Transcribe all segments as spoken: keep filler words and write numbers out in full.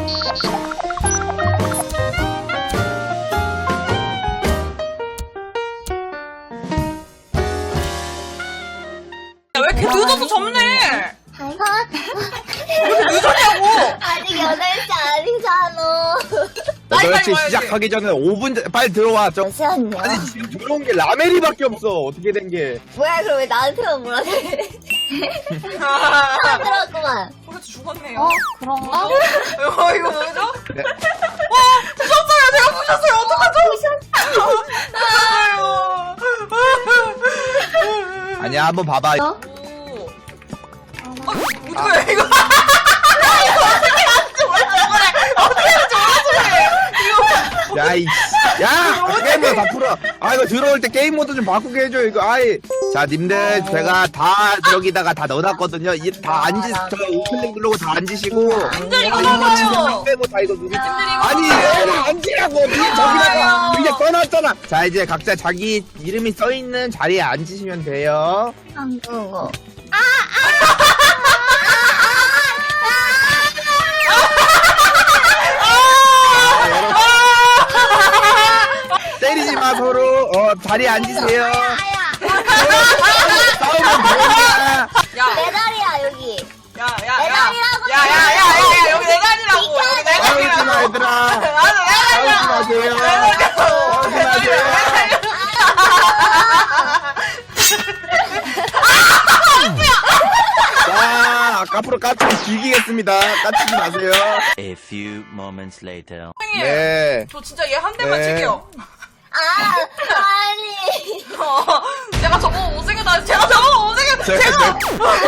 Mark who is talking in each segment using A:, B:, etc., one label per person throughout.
A: 왜 이렇게 늦어서 접네?
B: 아,
A: 왜 이렇게 늦었냐고?
B: 아직 여덟 시 아니잖아.
A: 빨리
C: 여덟 시
A: 와야지.
C: 시작하기 전에 오 분 전, 빨리 들어와. 정.
B: 잠시만요.
C: 아니, 지금 들어온 게 라멜이밖에 없어. 어떻게 된 게.
B: 뭐야, 그럼 왜 나한테만 뭐라 그래? 다 들었구만.
A: 포레트 죽었네요.
B: 어? 그런가?
A: 어, 이거 뭐죠?
C: 네.
A: 와, 부셨어요. 제가 부셨어요. 어떡하죠? 부셨어요.
C: 아니야, 한번 봐봐.
A: 오. 어, 어떡해, 이거.
C: 야, 이, 야! 게임을 다 풀어. 아, 이거 들어올 때 게임 모드 좀 바꾸게 해줘, 이거. 아이. 자, 님들, 제가 다 여기다가 다 넣어놨거든요. 이 다 앉으, 저 오픈링 누르고 다 앉으시고.
A: 님들 이거 봐봐요.
C: 빼고 다 이거 누르지.
A: 님들 이거
C: 아니,
A: 봐봐요.
C: 얘를 앉으라고. 니 저기다가 위에 써놨잖아. 자, 이제 각자 자기 이름이 써있는 자리에 앉으시면 돼요.
B: 안 그거.
C: 때리지 마, 서로. 어, 자리에 앉으세요.
B: 아야.
C: 싸우면 되냐.
A: 야,
B: 내 다리야, 여기.
A: 야, 야,
B: 내
A: 야.
B: 다리라고.
A: 야, 야, 야, 야, 야, 여기 내 다리라고. 여기 내
C: 싸우지 마,
A: 다리라고.
C: 얘들아.
A: 나도 내
C: 싸우지 마세요. 싸우지 마세요. 자, 앞으로 까치 즐기겠습니다. 까치지 마세요.
D: A few moments later.
A: 선생님,
C: 네.
A: 저 진짜 얘 한 대만
C: 네.
A: 칠게요.
B: 아, 아니.
A: 어, 제가 저거 못생겼다. 제가 저거 못생겼다.
C: 제가-
A: 제가.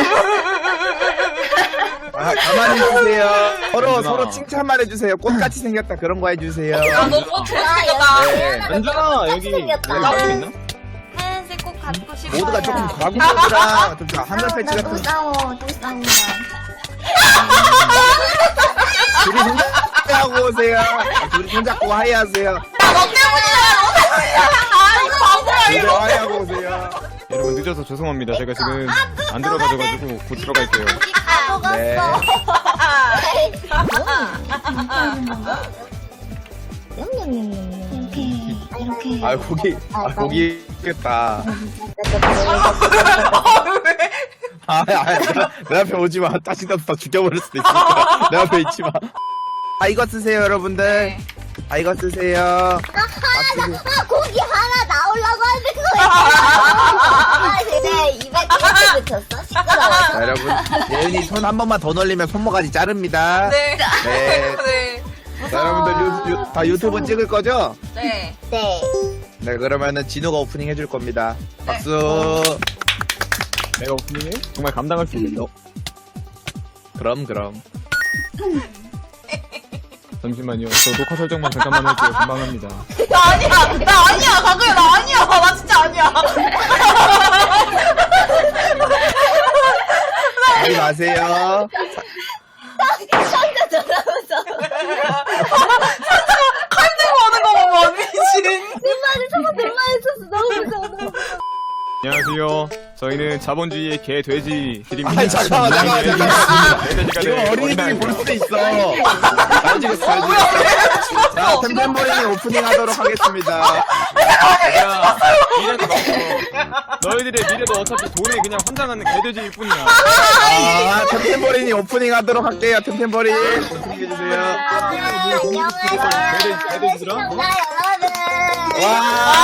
C: 아, 가만히 있으세요. 서로, 서로 칭찬만 해주세요. 꽃같이 생겼다. 그런 거 해주세요.
A: 야, 너 꽃 못생겼다.
C: 네.
E: 연준아, 여기
B: 생겼다.
E: 여기 나올 수 있나?
A: 하얀색 꽃 갖고 싶어요.
C: 모두가 조금 과구적이라 좀 하늘 패치
B: 또
C: 같은
B: 싸워, 또 싸운다.
C: 둘이 손잡고 오세요. 둘이 손잡고 하이하세요.
A: 야, 너 때문이야. 너 때문이야. 아, 이 바보야,
C: 둘이
A: 이거.
C: 하이하고 오세요.
E: 여러분 늦어서 죄송합니다. 제가 지금 안 들어가져가지고 곧 들어갈게요.
B: 다
C: 네.
B: 이렇게, 이렇게.
C: 아, 고기, 아, 고기 있겠다.
A: 아, 왜?
C: 아, 아, 나, 내 앞에 오지 마. 따시다도 다 죽여버릴 수도 있으니까. 내 앞에 있지 마. 아, 이거 쓰세요, 여러분들.
A: 네.
C: 아, 이거 쓰세요.
B: 아, 고기 하나 나오려고 하는데 그거 아, 내 입에 깨끗이 붙였어? 시끄러워.
C: 자, 여러분. 예은이 손 한 번만 더 놀리면 손모가지 자릅니다.
A: 네.
C: 네.
A: 네.
C: 자, 여러분들 유, 유, 다 유튜브 찍을 거죠?
A: 네.
B: 네.
C: 네, 그러면은 진우가 오프닝 해줄 겁니다.
A: 네.
C: 박수.
E: 내가 오프닝을 정말 감당할 수 있겠어?
C: 그럼, 그럼.
E: 잠시만요. 저 녹화 설정만 잠깐만 할게요. 금방 합니다.
A: 나 아니야. 나 아니야. 가그야, 나 아니야. 나 진짜 아니야.
C: 하지 마세요.
B: 상자 돌아오서.
A: 칼 들고 오는 거 봐봐. 미친.
B: 눈만에 저거 눈만 있었어. 너무 무서워. 너무 무서워.
E: 안녕하세요. 저희는 자본주의의 개 돼지 드립니다.
C: 아니, 잠깐만, 잠깐만, 잠깐만.
E: 개돼지가
C: 이거
E: 될
C: 어린이들이 볼 수도 있어. 잘 찍었어, 잘
A: 어, 뭐야,
C: 찍었어.
A: 왜 죽었어?
C: 자, 템템버린이 오프닝 하도록 하겠습니다.
E: 야, 미래도 없어. 너희들의 미래도 어차피 돈에 그냥 환장하는 개돼지일 뿐이야.
C: 아, 템템버린이 오프닝 하도록 할게요, 템템버린. 오프닝해주세요.
B: 안녕하세요.
E: 개돼지, 개돼지들아?
B: 시청자 여러분.
C: 와,